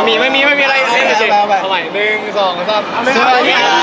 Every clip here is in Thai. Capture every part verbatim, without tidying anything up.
มีไม่มีไม่มีอะไรเล่นเฉยๆสมัยหนึ่งสองสามสวัสดีครับ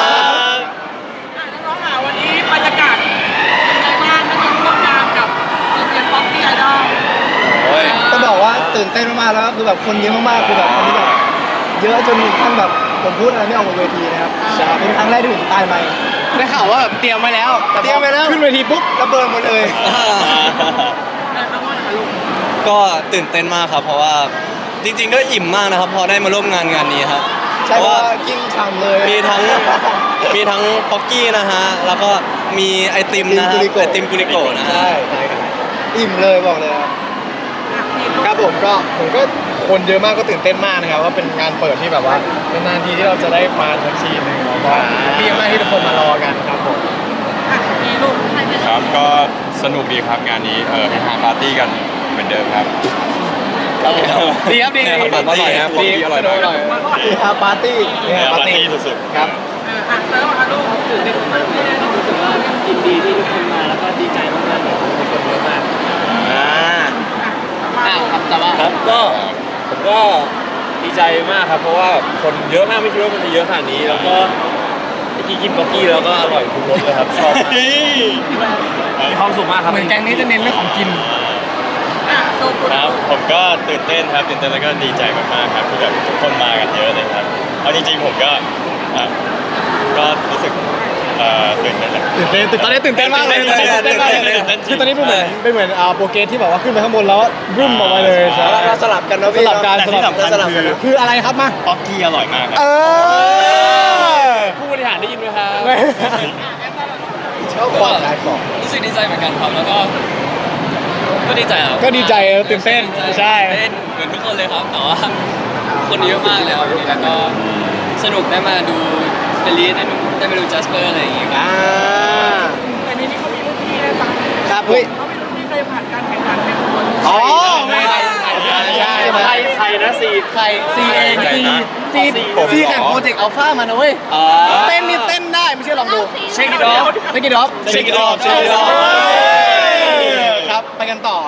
น้องๆค่ะวันนี้บรรยากาศเป็นไงบ้างได้มาร่วมงานกับเสียงป๊อปปี้ไอดอลโอ้ยต้องบอกว่าตื่นเต้นมากๆแล้วก็คือแบบคนเยอะมากๆคือแบบคนที่แบบเยอะจนท่านแบบผมพูดอะไรไม่ออกบนเวทีนะครับเป็นครั้งแรกที่ผมตายไหมได้ข่าวว่าแบบเตรียมไว้แล้วแต่พอเตรียมไว้แล้วขึ้นเวทีปุ๊บระเบิดหมดเลยแต่ทั้งวันค่ะลูกก็ตื่นเต้นมากครับเพราะว่าจริงๆก็อิ่มมากนะครับพอได้มาร่วมงานงานนี้ครับใช่เพเพราะราะว่าว่ากินฉ่ำเลยมีทั้งมีทั้งป๊อกกี้นะฮะแล้วก็มีไอติมนะฮะไอติมกุลิโกะนะฮะใช่ใช่ครับอิ่มเลยบอกเลยครับอ่ะพี่ลูกครับผมก็ผมก็คนเยอะมากก็ตื่นเต้นมากนะครับว่าเป็นงานเปิดที่แบบว่าเป็นนานทีที่เราจะได้มาสักทีหนึ่งแล้วก็ดีมากที่ทุกคนมารอกันครับผมอ่ะพี่ลูกครับก็สนุกดีครับงานนี้เออเฮฮาปาร์ตี้กันเหมือนเดิมครับดีครับดีเนี่ยครับอร่อยนะดีอร่อยมากอร่อยคือฮาปาร์ตี้เนี่ยปาปาร์ร์ตี้ตี้สุดๆครับเอออ่ะแล้วอ่ะลูกตื่นเต้นมากเลยต้องรู้สึกว่ายินดีที่ทุกคนมาแล้วก็ดีใจมากๆเลยทุกคนเยอะมากอ่าอ่ะครับแต่ว่าครับก็ผมก็ดีใจมากครับเพราะว่าคนเยอะมากไม่คิดว่ามันจะเยอะขนาดนี้แล้วก็เมื่อกี้กินบ็อกกี้แล้วก็อร่อยทุกรสเลยครับชอบมากมีความสุขมากครับเหมือนแกงนี้จะเน้นเรื่องของกินอ่ะโซกุลครับผมก็ตื่นเต้นครับตื่นเต้นแล้วก็ดีใจมากๆครับที่แบบทุกคนมากันเยอะเลยครับเอาจริงๆผมก็อ่ะก็รู้สึกเอ่อตื่นเต้นแหละตื่นเต้นตื่นตอนนี้ตื่นเต้นมากเลยตื่นเต้นตื่นเต้นมากเลยตื่นเต้นคือตอนนี้เป็นเหมือนเป็นเหมือนอ่าโปรเกรสที่แบบว่าขึ้นไปข้างบนแล้วบึ้มออกมาเลยใช่เราเราสลับกันเนาะสพี่ลับกันแต่สที่ลับสำคัญสลับคือคืออะไรครับมาป๊อกกี้อร่อยมากคเอรับอผู้บริหารได้ยินไหมครับชอบความขายของรู้สึกดีใจเหมือนกันครับแล้วก็ก็ดีใจครับก็ดีใจตื่นเต้นใช่เต้นเหมือนทุกคนเลยครับแต่ว่าคนเยอะมากเลยครับแล้วก็สนุกได้มาดูเฟลีได้มาได้มาดูจัสเปอร์อะไรอย่างเงี้ยอ่าแต่ในนี้เขามีรุ่นพี่นะจ๊ะครับเฮ้ยเขามีรุ่นพี่เคยผ่านการแข่งขันเป็นคนอ๋อไม่ใช่ใช่ใช่ใครใครนะซีใครซีเองซีซีซีแข่งโปรเจกต์อัลฟามานะเว้ยเต้นนี่เต้นได้ไม่เชื่อลองดูเช็คอีดอฟเช็คกี้ดอฟ Shake it off Shake it off ครับไปกันต่อ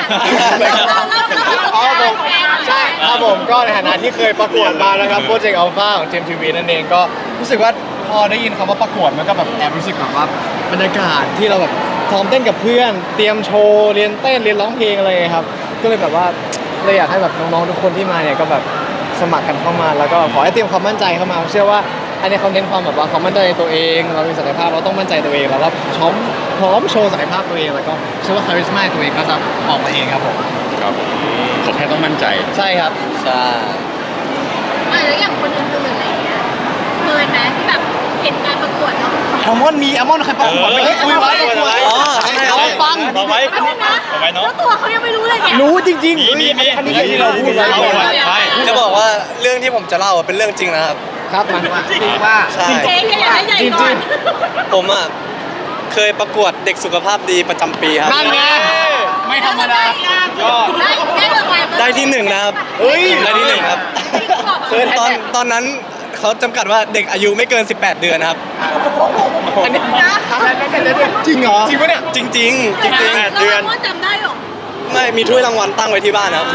อ๋อผมใช่ครับผมก็ในฐานะที่เคยประกวดมานะครับโปรเจกต์อัลฟาของเจมทีวีนั่นเองก็รู้สึกว่าพอได้ยินคำว่าประกวดมันก็แบบแอบรู้สึกแบบว่าบรรยากาศที่เราแบบซ้อมเต้นกับเพื่อน เตรียมโชว์เรียนเต้นเรียนร้องเพลงอะไรอย่างเงี้ยครับก็เลยแบบว่าเลยอยากให้แบบน้องๆทุกคนที่มาเนี่ยก็แบบสมัครกันเข้ามาแล้วก็ขอให้เตรียมความมั่นใจเข้ามาเชื่อว่าอันนี้คอนเทนต์ความแบบว่าความมั่นใจในตัวเองเรามีศักยภาพเราต้องมั่นใจตัวเองแล้วก็พร้อมพร้อมโชว์ศักยภาพตัวเองแล้วก็เชื่อว่าคาริสมาตัวเองก็จะออกมาเองครับผมครับผมผมแค่ต้องมั่นใจใช่ครับใช่อ่ะแล้วอย่างคนอื่นๆอะไรอย่างเงี้ยเคยไหมที่แบบเห็นการประกวดแล้วแอลมอนมีแอลมอนใครประกวดไม่ได้คุยไว้ประกวดอ๋อใช่เอาไปฟังเอาไว้เอานะเอาไว้เนาะแล้วตัวเขายังไม่รู้เลยเนี่ยรู้จริงมีมีมีอันนี้ที่เราพูดไว้เอาไว้ใช่จะบอกว่าเรื่องที่ผมจะเล่าเป็นเรื่องจริงนะครับครับมาจริงว่าใช่เจ๊ก็อยากให้ใหญ่ก่อนผมอ่ะเคยประกวดเด็กสุขภาพดีประจำปีครับนั่นไงไม่ธรรมดาได้ได้รางวัลได้ที่หนึ่งนะครับเฮ้ยได้ที่หนึ่งครับเซิร์ชแฮชตอนแท็กตอนนั้นเขาจำกัดว่าเด็กอายุไม่เกิน สิบแปด เดือนนะครับอันนี้จริงเหรอจริงปะเนี่ยจริงๆ จริงแปดเดือนจำได้หรอๆ ไม่มีถ้วยรางวัลตั้งไว้ที่บ้านครับ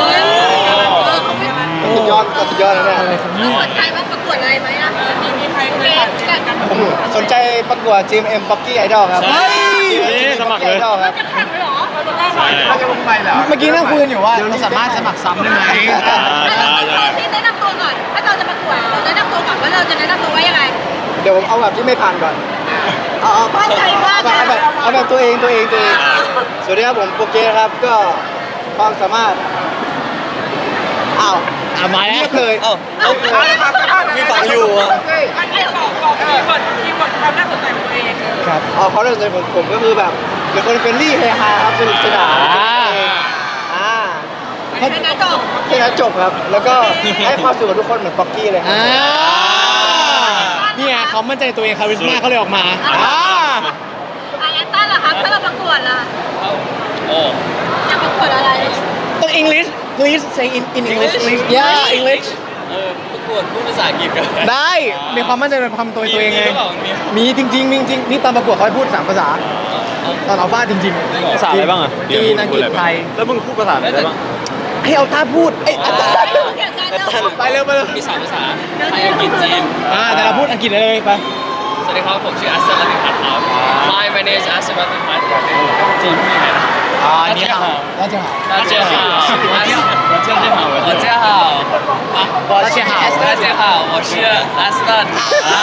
สุดยอดสุดยอดนะเนี่ยอะไรของนี่สนใจว่าประกวดอะไรไหมอ่ะมีมีใครเคยผ่านการผมสนใจประกวด จี เอ็ม Pocky Idol ครับเฮ้ยนี่สมัครเลย Idol ครับจะแข่งเลยเหรอใช่เมื่อกี้นั่งคุยกันอยู่ว่าเราสามารถสมัครซ้ำได้ไหมอ่าใช่ใช่ที่แนะนำตัวก่อน ถ้าเราจะประกวดเราแนะนำตัวก่อนว่าเราจะแนะนำตัวว่ายังไงเดี๋ยวผมเอาแบบที่ไม่ผ่านก่อนเอาเอามั่นใจมากเอาแบบเอาแบบตัวเองตัวเองตัวเองสวัสดีครับผมโปรเกครับก็ความสามารถอ้าวอ่ะมาแล้วเงียบเลยเอ้าเอ้ามีฝังอยู่อ่ะอันนี้บอกบอกคีย์เวิร์ดคีย์เวิร์ดความน่าสนใจของตัวเองครับเอาเขาเลยผมผมก็คือแบบเป็นคนเฟรนลี่เฮฮาครับสนุกสนานอ่าอ่าแค่นั้นจบแค่นั้นจบครับ แล้วก็ให้ความสุขกับทุกคนเหมือนป๊อกกี้เลยครับอ่านี่ไงเขามั่นใจตัวเองคาริสมาเขาเลยออกมาอ่าอ่ะงั้นต้นเหรอครับถ้าเราประกวดล่ะโอ้จะประกวดอะไรต้อง English please say in in English please yeah English เออประกวดพูดภาษาอังกฤษกันได้มีความมั่นใจในความตัวตัวเองไงมีหรือเปล่ามีมีจริงๆมีจริงๆนี่ตอนประกวดเขาให้พูดสามภาษาตอนอัลฟาจริงๆภาษาอะไรบ้างอ่ะจีนอังกฤษไทยแล้วมึงพูดภาษาอะไรได้บ้างให้เอาท่าพูดเอ้ยไปเร็วไปเร็วไปเร็วมีสามภาษาไทยอังกฤษจีนอ่าแต่เราพูดอังกฤษเลยไปสวัสดีครับผมชื่ออัสซันลัติพัฒน์ครับ Hi my name is อัสซันลัติพัฒน์จีนพูดยังไงนะอ่านี่ค่ะน่าจะหา大家好，大家好，大家好，大家好，啊， 大家好大家好，我是 Aston 啊，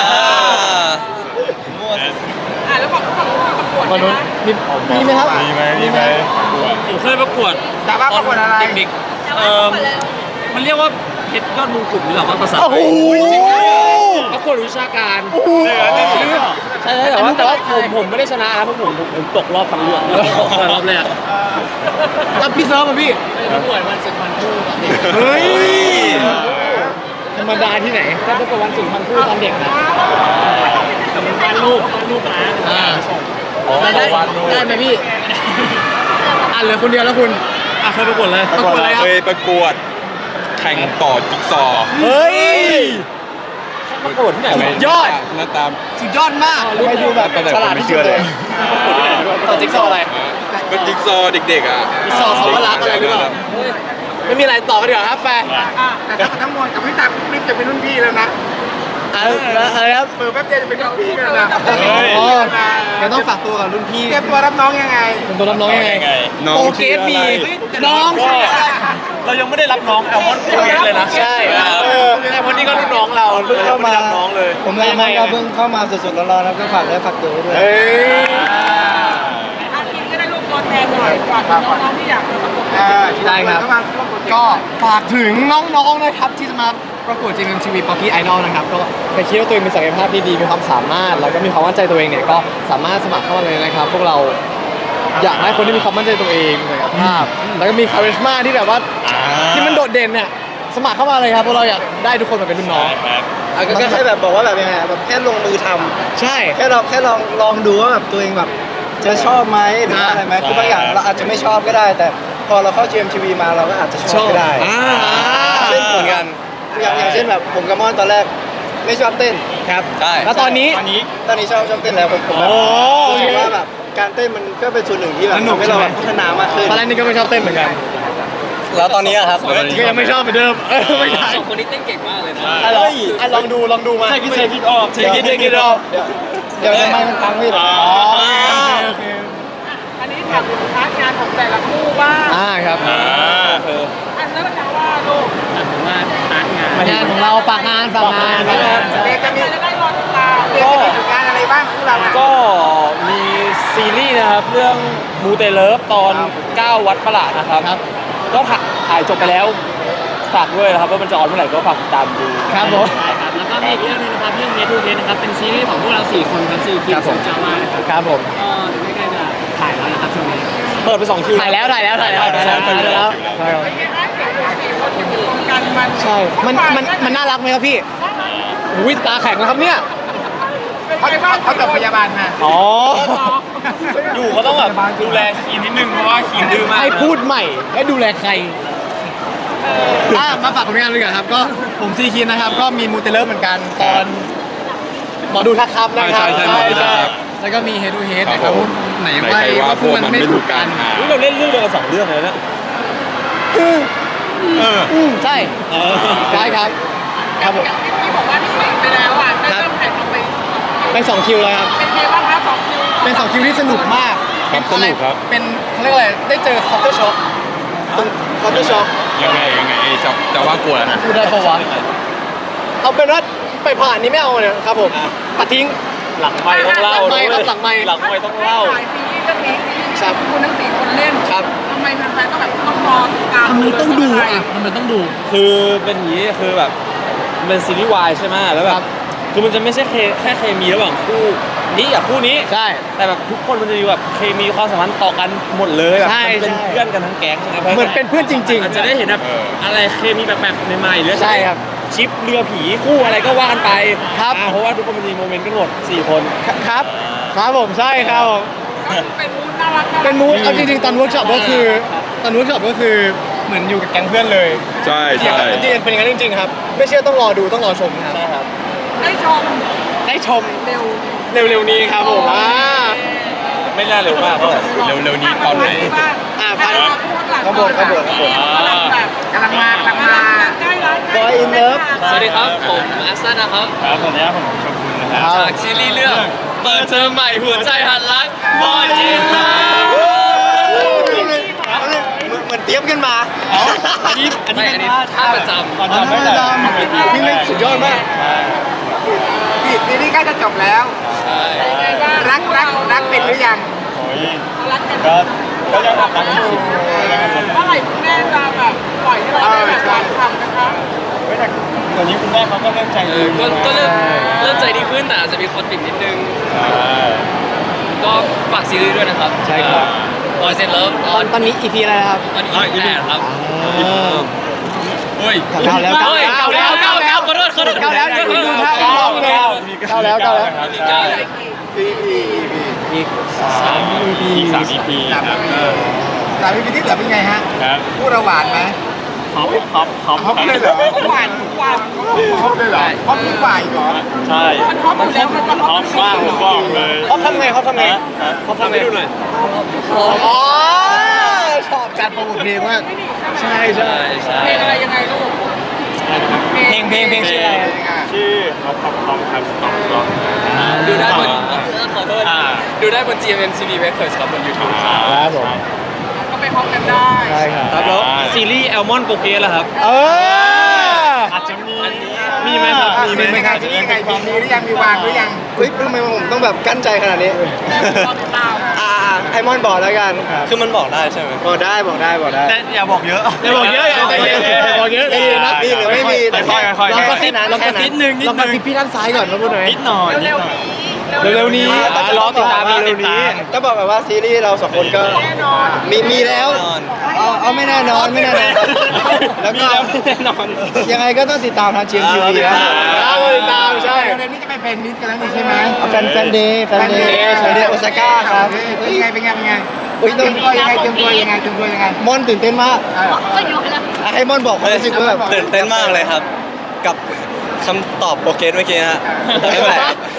อ่ะแล้วบอกฝั่งนู้นประกวดวันนู้นนะมีมีไหมครับมีไหมมีไหมผมเคยประกวดแต่ว่าประกวดอะไรเด็กๆเอ่อมันเรียกว่าเพชรยอดมงกุฎหรือเปล่าว่าภาษาโอ้โหประกวดวิชาการโอ้โหใช่แต่ว่าแต่ว่าผมผมไม่ได้ชนะนะเพราะผมผมผมตกรอบทั้งเรื่องตกรอบแรกรับพี่เซิร์ฟมาพี่ประกวดวันสุดวันคู่ตอนเด็กเฮ้ยธรรมดาที่ไหนก็ประกวดวันสุนทรภู่ตอนเด็กนะแต่มันวาดรูปวาดรูปนะอ่าแล้วได้ได้ไหมพี่อ่ะเหลือคนเดียวแล้วคุณอ่ะเคยประกวดเลยประกวดอะไรครับเคยประกวดแข่งต่อจิ๊กซอว์เฮ้ยประกวดที่ไหนสุวะดยอดหน้าตามสุดยอดมากไปดูแบบแต่ผมไม่เชื่อเลยต่อจิ๊กซอว์อะไรก็จิ๊กซอว์เด็กๆอ่ะจิ๊กซอว์เขาก็รักอะไรหรือเปล่าไม่มีอะไรต่อกันเดี๋ยวาครับไปแต่ถ้าทั้งมวลกับพี่ตาคลิปจะเป็นรุ่นพี่แล้วนะอ่ะแล้วอะไรครับเปิดแป๊บเดียวจะเป็นรุ่นพี่แล้วนะอ๋อเดี๋ยวต้องฝากตัวกับรุ่นพี่เตรียมตัวรับน้องยังไงเป็นตัวรับน้องยังไงน้องโอเคชื่ออะไรมีน้องชื่ออะไรเรายังไม่ได้รับน้องแอลมอนด์เกตเลยนะใช่เออแต่คนนี้ก็รุ่นน้องเราเพิ่งเข้ามาไได้รับน้องเลยผมยังไงก็เพิ่งเข้ามาสดๆร้อนๆครับก็ฝากได้ฝากตัวด้วยเฮ้ยอาทิตย์ก็ได้รูปตัวแทนหน่อยฝากถึงน้องๆที่อยากจะประกวดได้ครับก็ฝากถึงน้องๆนะครับที่จะมาประกวด จี เอ็ม ที วี Pocky Idol นะครับก็ไปคิดว่าตัวเองมีศักยภาพที่ดีมีความสามารถแล้วก็มีความมั่นใจตัวเองเนี่ยก็สามารถสมัครเข้ามาเลยนะครับ พวกเราอยากให้คนที่มีความมั่นใจตัวเองศักยภาพ แล้วก็มีคาริสมาที่แบบว่าที่มันโดดเด่นเนี่ยสมัครเข้ามาเลยครับเพราะเราอยากได้ทุกคนมาเป็นรุ่นน้องอ่ะก็แค่แบบบอกว่าแบบยังไงอ่ะแบบแค่ลงมือทำใช่แค่เราแค่ลองลองดูว่าแบบตัวเองแบบจะชอบไหมหรือว่าอะไรไหมคือบางอย่างเราอาจจะไม่ชอบก็ได้ แต่พอเราเข้า จี เอ็ม ที วี มาเราก็อาจจะชอบก็ได้อ่าเช่นเหมือนกันอย่างอย่างเช่นแบบผมกับมอนตอนแรกไม่ชอบเต้นครับใช่แล้วตอนนี้ตอนนี้ตอนนี้ชอบชอบเต้นแล้วผมผมแบบโอ้รู้สึกว่าแบบการเต้นมันก็เป็นส่วนหนึ่งที่แบบสนุกทำให้เราใช่ไหมแบบพัฒนามากขึ้นตอนแรกนี่ก็ไม่ชอบเต้นเหมือนกันแล้วตอนนี้อะครับก็ยังไม่ชอบเหมือนเดิมเออไม่ใช่สองคนนี้เต้นเก่งมากเลยนะอ่ะลองอ่ะลองดูลองดูมาใช่คิดใช่คิดออกใช่คิดใช่คิดออกเดี๋ยวทำไมมันพังพี่เหรออ๋อโอเคอันนี้ถามถึงพาร์ทงานของแต่ละคู่บ้างอ่าครับอ่าอันนั้นจะว่าลูกผมว่าพาร์ทงานงานของเราฝากงานฝากงานฝากงานเด็กจะมีจะได้รอติดตามเรียนจะมีผลงานอะไรบ้างคู่เราอ่ะก็มีซีรีส์นะครับเรื่องมูเตเลิฟตอนเก้าวัดประหลาดนะครับครับก็ถ่ายถ่ายจบไปแล้วฝากด้วยนะครับว่ามันจะออนเมื่อไหร่ก็ฝากติดตามดูครับผมใช่ครับแล้วก็มีอีกเรื่องนึงนะครับเรื่องเฮทูเฮนะครับเป็นซีรีส์ของพวกเราสี่คนครับสี่คิครัวบผมจามานะครับครับผมก็ใกล้ๆจะถ่ายแล้วนะครับช่วงนี้เปิดไปสองคิวถ่ายแล้วถ่ายแล้วถ่ายแล้วถ่ายแล้วถ่ายแล้วใช่ครับเป็นไงคะเด็กสี่คนที่อยู่ตรงกันมันใช่ มันมันมันน่ารักไหมครับพี่อุ้ยตาแข็งแล้วครับเนี่ยเป็นไงบ้างเขาจบพยาบาลมาอ๋ออยู่ก็ต้องแบบดูแลคีนนิดนึงเพราะว่าคีนดื้อมากให้พูดใหม่ให้ดูแลใครอ่ะมาฝากผลงานเลยกันครับ ก็ผมซีคินนะครับ ก็มีมูเตเลอร์เหมือนกันตอนหมอดูทักครับนะครับใช่ใช่หมอดูทักครับแล้วก็มีเฮดูเฮดนะคครัรับบผมไหนไหนว่าใครว่าพวกมันไม่ถูกกันอุ๊ยเราเล่นเรื่องเดียวกันสองเรื่องเลยนะเอออืมใช่ใช่ครับ ครับผมที่บอกว่าที่ปิดไปแล้วอ่ะได้เริ่มถ่ายทำไปเป็นสองคิวแล้วครับเป็นไงบ้างคะสองคิวเป็นสองคิวที่สนุกมากครับสนุกครับเป็นเขาเรียกว่าอะไรได้เจอคอปเตอร์ช็อคคอปเตอร์ช็อคยังไงยังไงเอ้ยจะจะว่ากลัวแล้วนะพูดได้ปะวะเอาเป็นว่าไปผ่านนี้ไม่เอาเนี่ยครับผมปัดทิ้งหลังไม่ต้องเล่าหลังไมค์ครับหลังไมค์หลังไม่ต้องเล่าถ่ายซีรีส์เรื่องนี้ซีรีส์ครับคุณทั้งสี่คนเล่นครับทำไมแฟนๆต้องแบบต้องรอติดตามทำไมต้องดูอ่ะทำไมต้องดูคือเป็นอย่างนี้คือแบบมันเป็นซีรีส์วายใช่ไหมแล้วแบครับ บคือมันจะไม่ใช่เคแค่เคมีระหว่างคู่นี้กับคู่นี้ใช่แต่แบบทุกคนมันจะมีแบบเคมีความสัมพันธ์ต่อกันหมดเลยแบบใช่มันเป็นใช่เพื่อนกันทั้งแก๊งใช่ไหมเหมือนเป็นเพื่อนจริงๆอาจจะได้เห็นแบบเอออะไรเคมีแปลกๆใหม่ๆหรือใช่ครับชิปเรือผีคู่อะไรก็ว่ากันไปครับอ่าเพราะว่าทุกคนมันมีโมเมนต์กันหมดสี่คนครับ ครับผมใช่ครับผมเป็นมูดน่ารัการักเป็นมูดเอาจริงๆตอนเวิร์กช็อปก็คือตอนเวิร์กช็อปก็คือเหมือนอยู่กับแก๊งเพื่อนเลยใช่จริงใช่ๆจริงๆเป็นอย่างนั้นจริงๆครับ ไม่เชื่อต้องรอดูต้องรอชมครับใช่ครับได้ชมได้ชมเร็วเร็วๆนี้ครับผมอ่าไม่น่าเร็วมากเท่าไหร่เร็วๆนี้ตอนไหนอ่าพันข้างบนข้างบนข้างบนกำลังมากำลังมาใกล้แล้ว Boy in Love สวัสดีครับ ผมอัสซันนะครับครับตอนนี้ผมชมคุณนะครับจากซีรีส์เรื่องเปิดเทอมใหม่หัวใจหันรักบอยเอ็นไลน์เหมือนเตรียมกันมาอันนี้อันนี้เป็นท่าประจำตอนจำไม่ได้นี่ไม่สุดยอดมากปีปีนี้ใกล้จะจบแล้วใช่รักรักรักเป็นหรือยังโอ้ยก็ก็ยังทำตามที่คิดยังทำตามเมื่อไหร่คุณแม่จะแบบปล่อยให้เราได้แบบการทำนะคะเฮ้ยแต่ตอนนี้คุณแม่เขาก็เริ่มใจเอดีอก็ก็เริ่มเริ่มใจดีขึ้นแต่อาจจะมีคอนฟ lict นิดนึง ก็ฝากซีรีส์ด้วยนะครับใช่ครับบอยเซนเลิฟตอนตอนนี้ อี พี อะไรนะครับตอนนี้อีแปดครับเฮ้ยเก้าแล้วเก้าแล้วเก้าแล้วเก้าแล้วขอโทษขอโทษเก้าแล้วเดี๋ยวดูท่าเก้าแล้วเก้าแล้วเก้าแล้วมีเก้าอีกสามอีกสาม อี พี ครับสามปีที่เหลือเป็นไงฮะครับพูดระหวานไหมฮอปฮอปฮอปฮอปเลยเหรอหวานทุกวันฮอปเลยเหรอฮอปทุกฝ่ายเหรอใช่มันฮอปอยู่แล้วมันก็ฮฮออปปมากผมบอกเลยเขาทำไงเขาทำไงฮะฮะเขาทำไงดูหน่อยอ๋อชอบการโปรโมทเพลงมากใช่ใช่ใช่เพลงอะไรยังไงลูกเพลงเพลงเพลงชื่ออะไรชื่อฮอปฮอปฮอปครับสต็อปสต็อปดูได้บนขอโทษอ่าดูได้บน จี เอ็ม เอ็ม ที วี Records ครับบน YouTube ครับผมก็ไปฮอปกันได้ใช่ครับครับแล้วซีรีส์แอลมอนโปเกสล่ะครับเอออาจจะมีมีไหมครับมีไหมครับมียังไงมีหรือยังมีวางหรือยังเฮ้ยทำไมผมต้องแบบกั้นใจขนาดนี้แม่รอติดตามอ่าไอมอนบอกแล้วกันคือมันบอกได้ใช่ไหมบอกได้บอกได้บอกได้แต่อย่าบอกเยอะอย่าบอกเยอะอย่าใจเย็นอย่าบอกเยอะใจเย็นนะมีหรือไม่มีแต่ค่อยๆค่อยๆลองกระซิบแค่นั้นลองกระซิบแค่นั้นหนึ่งลองกระซิบพี่ด้านซ้ายก่อนมาพูดหน่อยนิดหน่อยนิดหน่อยเร็วๆนี้แต่จะรอติดตามเร็วๆนี้ต้องบอกแบบว่าซีรีส์เราสองคนก็แน่นอนมีมีแล้ว เอาเอาไม่แน่นอนไม่แน่นอนแล้วก็แน่นอนยังไงก็ต้องติดตามทางจีเอ็มทีวีนะครับติดตามใช่เดือนนี้จะไปเป็นมิตรกันแล้วนี่ใช่ไหมแฟนแฟนเดย์แฟนเดย์แฟนเดย์โอซาก้าครับเป็นไงเป็นไงเป็นไงอุ้ยเตต้รีอย งมตัวยังไงเตรียมตัวยังไงเตรียมตัวยังไงมอนตื่นเต้นมากก็ยกแล้วอ่ะให้มอนบอกความรู้สึกว่าแบบตื่นเต้นมากเลยครับ กับคำตอบโปเกสเมื่อกี้ฮะไม่เป็นไร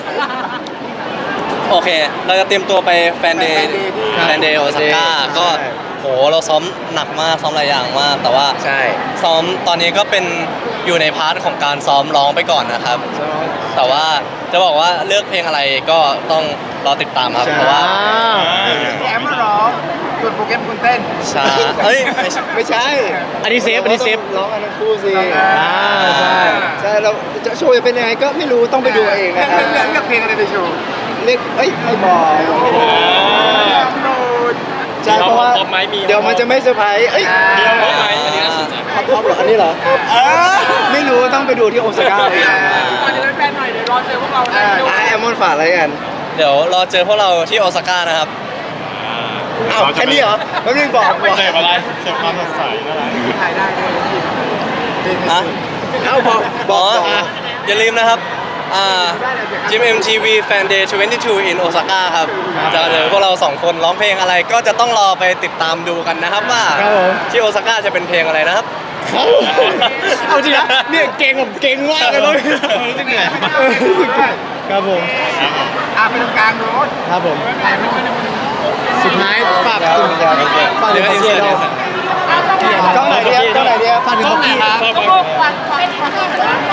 โอเค เราจะเตรียมตัวไปแฟนเดย์แฟนเดย์โอซาก้าก็โหเราซ้อมหนักมากซ้อมหลายอย่างมาก แต่ว่าใช่ซ้อมตอนนี้ก็เป็นอยู่ในพาร์ทของการซ้อมร้องไปก่อนนะครับ แต่ว่าจะบอกว่าเลือกเพลงอะไรก็ต้องรอติดตามครับ เพราะว่าแอมมาร้องส่วนโปรแกรมคุณเต้นช้าเฮ้ยไม่ใช่ไม่ใช่อันนี้เซฟอันนี้เซฟร้องกันทั้งคู่สิอ่าใช่ใช่เราจะโชว์จะเป็นยังไงก็ไม่รู้ต้องไปดูเองนะครับเลือกเลือกเพลงอะไรไปโชว์เรียกเอ้ยไม่บอกโหลดใช่เพราะว่าพร้อมไหมมีเดี๋ยวมันจะไม่เซอร์ไพรส์เอ้ยมีพร้อมไหมอันนี้น่าสนใจท็อปท็อปเหรออันนี้เหรอไม่รู้ต้องไปดูที่โอซาก้าเองก่อนจะเป็นแฟนหน่อยเดี๋ยวรอเจอพวกเราได้ดูอ่ะแอมมอนฝากอะไรกันเดี๋ยวรอเจอพวกเราที่โอซาก้านะครับอ้าวแค่นี้เหรอแป๊บนึงบอกบอกเสพอะไรเสพความสดใสอะไรถ่ายได้เลยฮะเอ้าบอกบอ๋ออกบอกอย่าลืมนะครับ อ่า จี เอ็ม ที วี Fan Day ยี่สิบสอง in Osaka ครับ จะเจอพวกเราสองคนร้องเพลงอะไร ก็จะต้องรอไปติดตามดูกันนะครับว่าครับผมที่โอซาก้าจะเป็นเพลงอะไรนะครับเอาจริงนะเนี่ยเก่งแบบเก่งมากเลยมั้งรู้สึกเหนื่อยครับผมอ่าไปตรงกลางโน้ตครับผมถ่ายรูปกันสุดท้ายฝากถึงฝากถึเดี๋งยวพ่ออินเกีเสิยร์ร์ตเรากล้องไหนเดียวกล้องไหนเดียวฝากถึงพ่อเกียร์ก็พวกวันวันวัน